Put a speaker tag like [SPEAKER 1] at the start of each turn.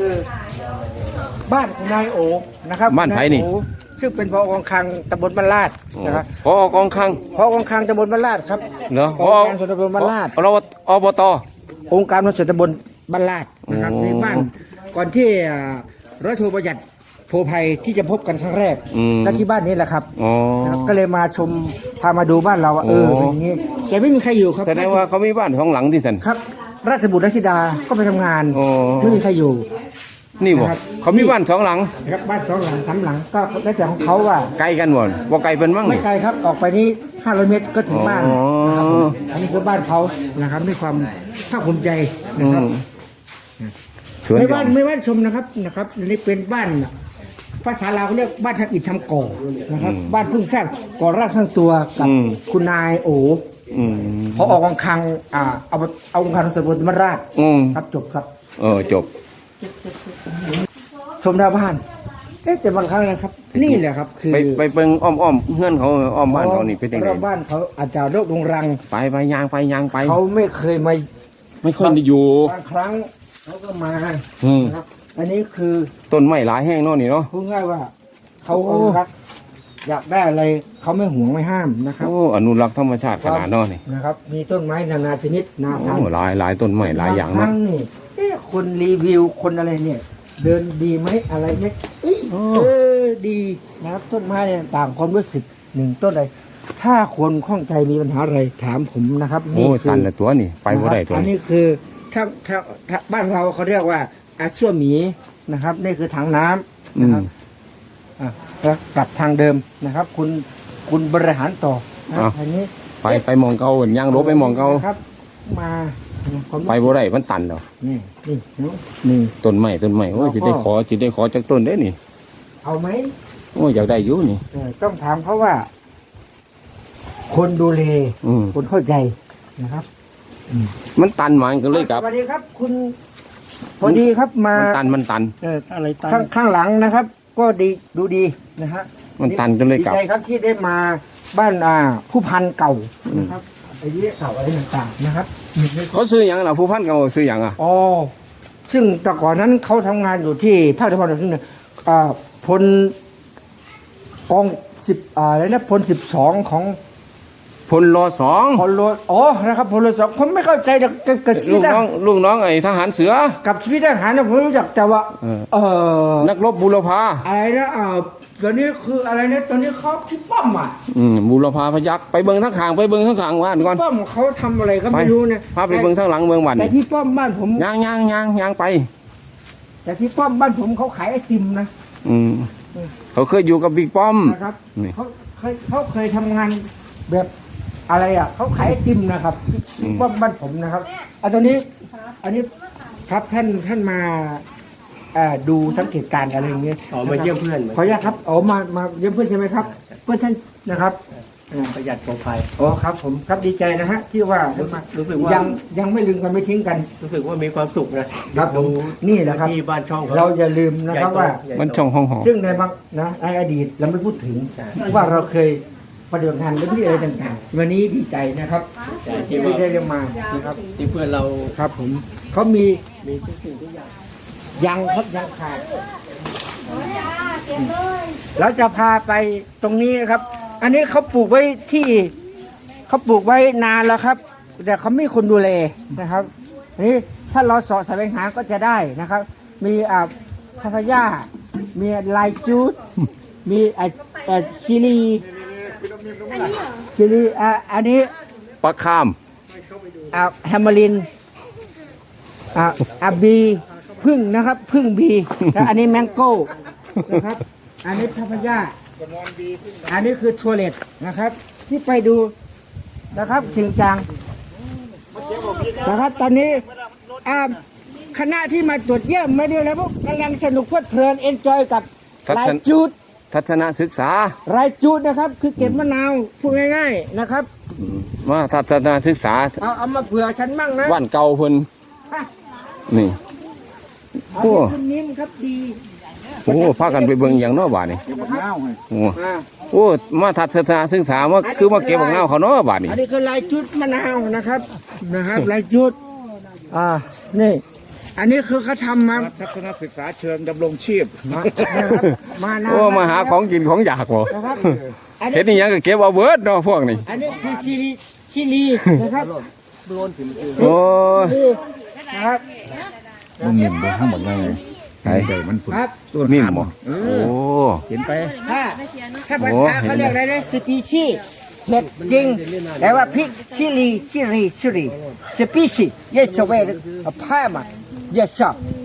[SPEAKER 1] คือบ้านของนายโอนะครับ
[SPEAKER 2] บ้านไผ่นี่
[SPEAKER 1] ซึ่งเป็นผอกองคลังตำบลบ้านลาดนะครับ
[SPEAKER 2] พอกองคลัง
[SPEAKER 1] ผอกองคลังตำบลบ้านลาดครับ
[SPEAKER 2] เหรอพอ
[SPEAKER 1] การส่วนตำบลบ้านลาด
[SPEAKER 2] เราอบต.
[SPEAKER 1] องค์การส่วนตำบลบ้านลาดนะครับในบ้านก่อนที่ร้อยโทประหยัดโพภัยที่จะพบกันครั้งแรกก็ที่บ้านนี้แหละครับก็เลยมาชมพามาดูบ้านเราเป็นอย่างนี้แต่ไม่มีใครอยู่ครับ
[SPEAKER 2] แสดงว่าเขามีบ้านสองหลังที่สัน
[SPEAKER 1] ครับราชบุตรราชธิดาก็ไปทำงานไม่มีใครอยู่
[SPEAKER 2] นี่บอกเขามีบ้านสองหลัง
[SPEAKER 1] ครับบ้าน2 หลัง 3 หลังก็แล้วแต่ของเขาว่า
[SPEAKER 2] ไกลกันหมดว่าไกลเป็นมั่ง
[SPEAKER 1] ไม่ไกลครับออกไปนี่500 เมตรก็ถึงบ้านนะครับอันนี้คือบ้านเขานะครับด้วยความภาคภูมิใจนะครับไม่บ้านชมนะครับนี่เป็นบ้านภาษาลาวเขาเรียกบ้านทำอิฐทำก่อนะครับบ้านเพิ่งสร้างก่อร่างสร้างตัวกับคุณนายโอเขาออกกองคลังเอากองคลังสมุทรราชครับจบครับ
[SPEAKER 2] จบ
[SPEAKER 1] ชมดาวบ้านแต่บางครั้งนะครับนี่แหละครับคือ
[SPEAKER 2] ไปเบิ่งอ้อมเงื่อนเขาอ้อมบ้านเขานี่เป็นยังไง
[SPEAKER 1] บ้านเขาอาจจะโรคดงรัง
[SPEAKER 2] ไปยางไป
[SPEAKER 1] เขาไม่เคยมา
[SPEAKER 2] ไม่ค่อยได้อยู่
[SPEAKER 1] บางครั้งเขาก็มาครับอันนี้คือ
[SPEAKER 2] ต้นไม้หลายแห้งเนาะนี่เนาะ
[SPEAKER 1] พูดง่ายว่าเขารักอยากได้อะไรเขาไม่ห่วงไม่ห้ามนะครับ
[SPEAKER 2] อนุรักษ์ธรรมชาติขนาดนั้นนี่
[SPEAKER 1] นะครับมีต้นไม้นานาชนิดนาพันธุ์
[SPEAKER 2] หลายต้นไม้หลายอย่างเนาะ
[SPEAKER 1] นี่คนรีวิวคนอะไรเนี่ยเดินดีไหมอะไรไหมดีนะครับต้นไม้เนี่ยต่างความรู้สึก1 ต้นอะไรถ้าคนข้องใจมีปัญหาอะไรถามผมนะครับ
[SPEAKER 2] นี่ตันละตัวนี่ไปบ่ได้ตัว
[SPEAKER 1] อันนี้คือถ้าบ้านเราเขาเรียกว่าอาส้วมหมีนะครับนี่คือถังน้ำนะครับแล้วกลับทางเดิมนะครับคุณบริหารต่ออันนี้
[SPEAKER 2] ไปมองเก่าย่างรถไปมองเก่า
[SPEAKER 1] ครับมา
[SPEAKER 2] ไปบ่ได้มันตันเหรอ
[SPEAKER 1] นี่
[SPEAKER 2] ต้นไม้โอ้ยสิได้ขอจากต้นได้นี่
[SPEAKER 1] เอาไหม
[SPEAKER 2] โอ้ยอยากได้อยู่นี่
[SPEAKER 1] ต้องถามเขาว่าคนดูแลคนเข้าใจนะครับ
[SPEAKER 2] มันตันมาก็เลยครับ
[SPEAKER 1] สวัสดีครับคุณพอดีครับมา
[SPEAKER 2] มันตัน
[SPEAKER 1] อะไรตันข้างหลังนะครับก็ดีดูดีนะฮะ
[SPEAKER 2] มันตันก็เลยกลับ
[SPEAKER 1] ดีใจครับที่ได้มาบ้านผู้พันเก่านะครับไอ้เรื่องเก่าอะไรต่างๆนะครับ
[SPEAKER 2] เขาซื้ออย่างน่ะผู้พันเก่าซื้ออย่าง
[SPEAKER 1] ซึ่งแต่ก่อนนั้นเขาทำงานอยู่ที่ภาคตะวันออกเฉียงเหนือพลกองอะไรนะพล12ของ
[SPEAKER 2] พลร2
[SPEAKER 1] พลรนะครับพลร2ผมไม่เข้าใจกับ
[SPEAKER 2] ลูกน้องไอ้ทหารเสือ
[SPEAKER 1] กับชีวิตทหารนะผมรู้จักแต่ว่า
[SPEAKER 2] นักรบบุรพา
[SPEAKER 1] อะไรนะตอนนี้คืออะไรนะตอนนี้เขาพี่ป้อม
[SPEAKER 2] บุรพาพยักไปเบิ่งทั้งข้างบ้านก่อน
[SPEAKER 1] ป้อมเขาทำอะไรก็ไม่รู้นะ
[SPEAKER 2] พาไปเบิ่งทั้งหลังเบิ่งบ้าน
[SPEAKER 1] แต่พี่ป้อมบ้านผม
[SPEAKER 2] ย่างไป
[SPEAKER 1] แต่พี่ป้อมบ้านผมเขาขายไอติมนะ
[SPEAKER 2] เขาเคยอยู่กับบิ๊กป้อม
[SPEAKER 1] นะครับเขาเคยทำงานแบบอะไรเขาขายไอติมนะครับพี่ป้อมบ้านผมนะครับอันนี้ครับท่านมาดูสังเกตการณ์อะไรอย่างเงี้ย
[SPEAKER 3] มาเยี่ยมเพื่อน
[SPEAKER 1] ขออนุญาตครับมาเยี่ยมเพื่อนใช่ไหมครับเพื่อนท่านนะครับ
[SPEAKER 3] ประหยัดปลอดภัย
[SPEAKER 1] ครับผมครับดีใจนะฮะที่ว่า
[SPEAKER 3] รู้สึกว่า
[SPEAKER 1] ยังไม่ลืมกันไม่ทิ้งกัน
[SPEAKER 3] รู้สึกว่ามีความสุขนะครับ
[SPEAKER 1] ผมนี่แหละครับ
[SPEAKER 3] ที่บ้านช่อง
[SPEAKER 1] เราอย่าลืมนะครับว่า
[SPEAKER 2] มันช่องห้อง
[SPEAKER 1] ซึ่งในบางในอดีตเราไม่พูดถึงว่าเราเคยปฏิบัติงานเรื่องที่อะไรต่างๆวันนี้ดีใจนะครับที่ได้เรียนมานะครับ
[SPEAKER 3] ที่เพื่อนเรา
[SPEAKER 1] ครับผมเขามีทุกสิ่งทุกอย่างยังขาดเราจะพาไปตรงนี้ครับอันนี้เขาปลูกไว้นานแล้วครับแต่เขาไม่คนดูแลนะครับนี่ถ้าเราเสาะแสวงหาก็จะได้นะครับมีพาพายามีลายจูดมีซิลีอันนี้
[SPEAKER 2] ปลาข้าม
[SPEAKER 1] แฮมเมอรินบีพึ่งนะครับพึ่งบีแล้วอันนี้แมงโก้นะครับอันนี้พาพายาอันนี้คือทัวเลตนะครับที่ไปดูนะครับจริงจังนะครับตอนนี้คณะที่มาตรวจเยี่ยมไม่ได้แล้วพวกกำลังสนุกเพลิดเพลินเอนจอยกับรายจูด
[SPEAKER 2] ทัศนศึกษาร
[SPEAKER 1] ายจูดนะครับคือเก็บมะนาวพูดง่ายๆนะครับ
[SPEAKER 2] ว่าทัศนศึกษา
[SPEAKER 1] เอามาเผื่อฉันบ้างนะ
[SPEAKER 2] วันเก่าเพิ่นนี่
[SPEAKER 1] โอ้คุณนิ่มครับดี
[SPEAKER 2] พากันไปเบิ่งอย่างน้อบาดนี่โอ้มาทัศนศึกษาว่าคือมาเก็บมะนาวเขาน้อบาดนี่
[SPEAKER 1] อันนี้คือลายจุดมะนาวนะครับลายจุดนี่อันนี้คือเขาทำมา
[SPEAKER 4] ทัศนศึกษาเชิงดำรงชีพ
[SPEAKER 1] นะครับมานาน
[SPEAKER 2] โอ้มาหาของกินของอยากบ่
[SPEAKER 1] นะครับอัน
[SPEAKER 2] เฮ็
[SPEAKER 1] นี้
[SPEAKER 2] ดนี่ยังก็เก็บเอาเบิดเนาะพวกนี้
[SPEAKER 1] อันนี้คือชิลีนะครับ
[SPEAKER 2] โอ้ย
[SPEAKER 1] นะครับ
[SPEAKER 4] มันนิ่มไปทั้งหมดเลย
[SPEAKER 2] ไอ้
[SPEAKER 4] ใหญ่มันผุด
[SPEAKER 1] ครับ
[SPEAKER 2] นิ่มบ่
[SPEAKER 4] เอ
[SPEAKER 2] โอ้
[SPEAKER 4] อเห็นไป
[SPEAKER 1] ถ้าภาษาเขาเรียกอะไรนะสปีชีเห็ดจริงแต่ว่าพริกชิลีสปีชี yes away พามา yes sir